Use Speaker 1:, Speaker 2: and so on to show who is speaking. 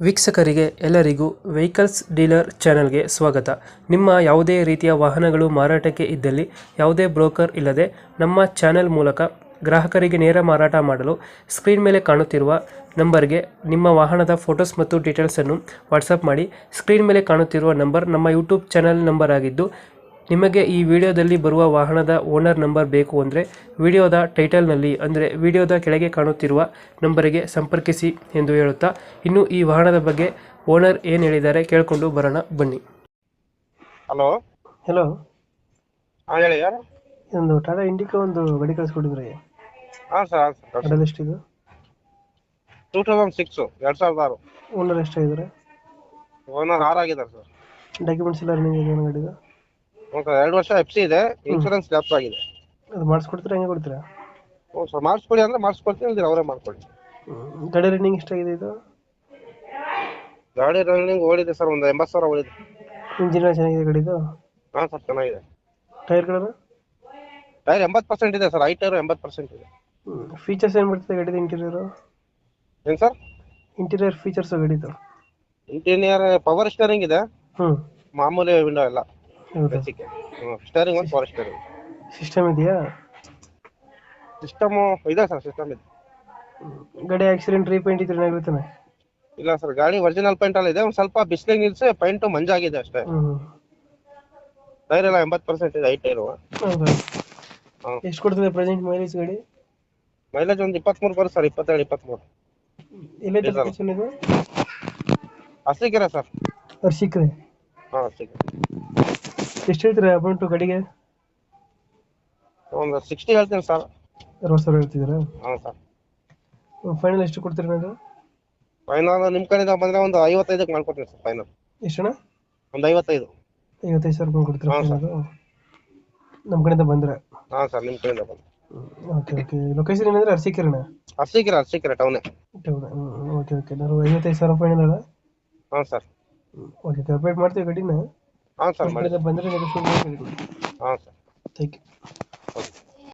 Speaker 1: ವೀಕ್ಷಕರಿಗೆ ಎಲ್ಲರಿಗೂ vehicles dealer ಚಾನೆಲ್ಗೆ ಸ್ವಾಗತ. ನಿಮ್ಮ ಯಾವುದೇ ರೀತಿಯ ವಾಹನಗಳು ಮಾರಾಟಕ್ಕೆ ಇದ್ದಲ್ಲಿ ಯಾವುದೇ ಬ್ರೋಕರ್ ಇಲ್ಲದೆ ನಮ್ಮ ಚಾನೆಲ್ ಮೂಲಕ ಗ್ರಾಹಕರಿಗೆ ನೇರ ಮಾರಾಟ ಮಾಡಲು ಸ್ಕ್ರೀನ್ ಮೇಲೆ ಕಾಣುತ್ತಿರುವ ನಂಬರ್ಗೆ ನಿಮ್ಮ ವಾಹನದ ಫೋಟೋಸ್ ಮತ್ತು ಡೀಟೇಲ್ಸನ್ನು ವಾಟ್ಸಪ್ ಮಾಡಿ. ಸ್ಕ್ರೀನ್ ಮೇಲೆ ಕಾಣುತ್ತಿರುವ ನಂಬರ್ ನಮ್ಮ ಯೂಟ್ಯೂಬ್ ಚಾನೆಲ್ ನಂಬರ್ ಆಗಿದ್ದು, ನಿಮಗೆ ಈ ವಿಡಿಯೋದಲ್ಲಿ ಬರುವ ವಾಹನದ ಓನರ್ ನಂಬರ್ ಬೇಕು ಅಂದರೆ ವಿಡಿಯೋದ ಟೈಟಲ್ನಲ್ಲಿ ಅಂದರೆ ವಿಡಿಯೋದ ಕೆಳಗೆ ಕಾಣುತ್ತಿರುವ ನಂಬರಿಗೆ ಸಂಪರ್ಕಿಸಿ ಎಂದು ಹೇಳುತ್ತಾ, ಇನ್ನು ಈ ವಾಹನದ ಬಗ್ಗೆ ಓನರ್ ಏನು ಹೇಳಿದ್ದಾರೆ ಕೇಳಿಕೊಂಡು ಬರೋಣ ಬನ್ನಿ.
Speaker 2: ಹಲೋ
Speaker 1: ಹಲೋ,
Speaker 2: ಹಾಂ ಹೇಳಿ, ಯಾರು?
Speaker 1: ಒಂದು ಟಾಟಾ ಇಂಡಿಕಾ ಒಂದು ಗಾಡಿ ಕಳಿಸ್ಕೊಟ್ಟಿದ್ರಿ.
Speaker 2: ಹಾಂ ಸರ್,
Speaker 1: ಮಾಡಲ್ ಎಷ್ಟಿದೆ?
Speaker 2: 2006 2006.
Speaker 1: ಓನರ್ ಎಷ್ಟಾಗಿದ್ದಾರೆ?
Speaker 2: ಓನರ್ 6 ಆಗಿದ್ದಾರೆ ಸರ್.
Speaker 1: ಡಾಕ್ಯುಮೆಂಟ್ಸ್ ಎಲ್ಲ ರನ್ನಿಂಗ್ ಇದೆ ಗಾಡಿದು?
Speaker 2: ಹ್ಞೂ ಸರ್, 2 ವರ್ಷ ಎಫ್ ಸಿ ಇದೆ, ಇನ್ಶೂರೆನ್ಸ್ ಲ್ಯಾಪ್ಸ್ ಆಗಿದೆ.
Speaker 1: ಅದು ಮಾಡಿಸ್ಕೊಡ್ತೀರಾ, ಹೆಂಗೆ ಕೊಡ್ತೀರಾ?
Speaker 2: ಹ್ಞೂ ಸರ್, ಮಾಡಿಸ್ಕೊಡಿ ಅಂದರೆ ಮಾಡಿಸ್ಕೊಡ್ತೀನಿ, ಇಲ್ದಿರ ಅವರೇ ಮಾಡ್ಕೊಳ್ಳಿ.
Speaker 1: ಗಾಡಿ ರನ್ನಿಂಗ್ ಎಷ್ಟಾಗಿದೆ ಇದು?
Speaker 2: ಗಾಡಿ ರನ್ನಿಂಗ್ ಓಡಿದೆ ಸರ್, ಒಂದು 80,000 ಓಡಿದೆ.
Speaker 1: ಇಂಜಿನ್ ಚೆನ್ನಾಗಿದೆ ಗಾಡಿದು?
Speaker 2: ಹಾಂ ಸರ್, ಚೆನ್ನಾಗಿದೆ.
Speaker 1: ಟೈರ್ಗಳನ್ನು?
Speaker 2: ಟೈರ್ 80% ಇದೆ ಸರ್, ಐ ಟೈರು 80% ಇದೆ.
Speaker 1: ಫೀಚರ್ಸ್ ಏನು ಬರ್ತದೆ ಗಾಡಿದು? ಇಂಟೀರಿಯರು
Speaker 2: ಏನು ಸರ್?
Speaker 1: ಇಂಟೀರಿಯರ್ ಫೀಚರ್ಸ್ ಗಾಡಿದು?
Speaker 2: ಇಂಟೀರಿಯರ್ ಪವರ್ ಸ್ಟೇರಿಂಗ್ ಇದೆ, ಮಾಮೂಲಿ ವಿಂಡೋ ಎಲ್ಲ
Speaker 1: ಹೌದಾ?
Speaker 2: ಬೇಸಿಕ್. ಸ್ಟೇರಿಂಗ್ ಒಂದು ಪವರ್ ಸ್ಟೇರಿಂಗ್.
Speaker 1: ಸಿಸ್ಟಮ್ ಇದೆಯಾ?
Speaker 2: ಸಿಸ್ಟಮು ಇದೆ ಸರ್, ಸಿಸ್ಟಮ್ ಇದೆ.
Speaker 1: ಗಾಡಿ ಆಕ್ಸಿಡೆಂಟ್ ರೀಪೇಂಟ್ ಇದ್ರೆ ಏನಾಗುತ್ತಾನೆ?
Speaker 2: ಇಲ್ಲ ಸರ್, ಗಾಡಿ ಒರಿಜಿನಲ್ ಪೇಂಟ್ ಎಲ್ಲ ಇದೆ, ಒಂದು ಸ್ವಲ್ಪ ಬಿಸಿಲಿಗೆ ನಿಲ್ಸಿ ಪೇಂಟು ಮಂಜಾಗಿದೆ ಅಷ್ಟೇ. ಟೈರ್ ಎಲ್ಲ 80% ಇದೆ, ಐ ಟೈರು.
Speaker 1: ಹೌದಾ? ಎಷ್ಟು ಕೊಡ್ತದೆ ಪ್ರೆಸೆಂಟ್ ಮೈಲೇಜ್ ಗಾಡಿ?
Speaker 2: ಮೈಲೇಜ್ ಒಂದು 23 ಬರುತ್ತೆ ಸರ್, 27-23.
Speaker 1: ಎಲ್ಲೈತೆ ಲೊಕೇಶನ್ ಇದು?
Speaker 2: ಅರಸೀಕೆರೆ ಸರ್.
Speaker 1: ಅರಸೀಕೆರೆ?
Speaker 2: ಹಾಂ, ಅರಸೀಕೆರೆ.
Speaker 1: ಎಷ್ಟು ಹೇಳ್ತೀರಾ ಅಮೌಂಟು ಗಾಡಿಗೆ?
Speaker 2: ಒಂದು 60 ಹೇಳ್ತೀನಿ ಸರ್.
Speaker 1: 60,000 ಹೇಳ್ತಿದ್ದೀರಾ?
Speaker 2: ಹಾಂ ಸರ್.
Speaker 1: ಫೈನಲ್ ಎಷ್ಟು ಕೊಡ್ತೀರಾ ನೀವು?
Speaker 2: ಫೈನಲ್ ನಿಮ್ಮ ಕಡೆಯಿಂದ ಬಂದರೆ ಒಂದು 55ಕ್ಕೆ ಮಾಡ್ಕೊಡ್ತೀನಿ ಸರ್. ಫೈನಲ್
Speaker 1: ಎಷ್ಟಣ್ಣ?
Speaker 2: ಒಂದು 55.
Speaker 1: 55,000 ರೂಪಾಯಿ ಕೊಡ್ತೀರಾ
Speaker 2: ಹಾಂ ಸರ್.
Speaker 1: ಫೈನಲ್? ನಮ್ಮ ಕಡೆಯಿಂದ ಬಂದರೆ?
Speaker 2: ಹಾಂ ಸರ್, ನಿಮ್ಮ ಕಡೆಯಿಂದ ಬಂದು.
Speaker 1: Okay okay. ಲೊಕೇಶನ್ ಏನಂದ್ರೆ ಅರಸೀಕೆರೆನಾ?
Speaker 2: ಅರಸೀಕೆರೆ ಟೌನೇ.
Speaker 1: ಟೌನ್. Okay okay. ನಾನು 55,000 ಫೈನಲ್ ಅಲ್ಲ?
Speaker 2: ಹಾಂ ಸರ್.
Speaker 1: ಓಕೆ, ಅಪ್ಡೇಟ್ ಮಾಡ್ತೀವಿ ಗಾಡಿನ.
Speaker 2: ಹಾಂ ಸರ್, ಮಾಡಿ.
Speaker 1: ಬಂದರೆ ನೆಗೋಷಿಯೇಟ್ ಮಾಡಿ.
Speaker 2: ಹಾಂ ಸರ್.
Speaker 1: Thank you.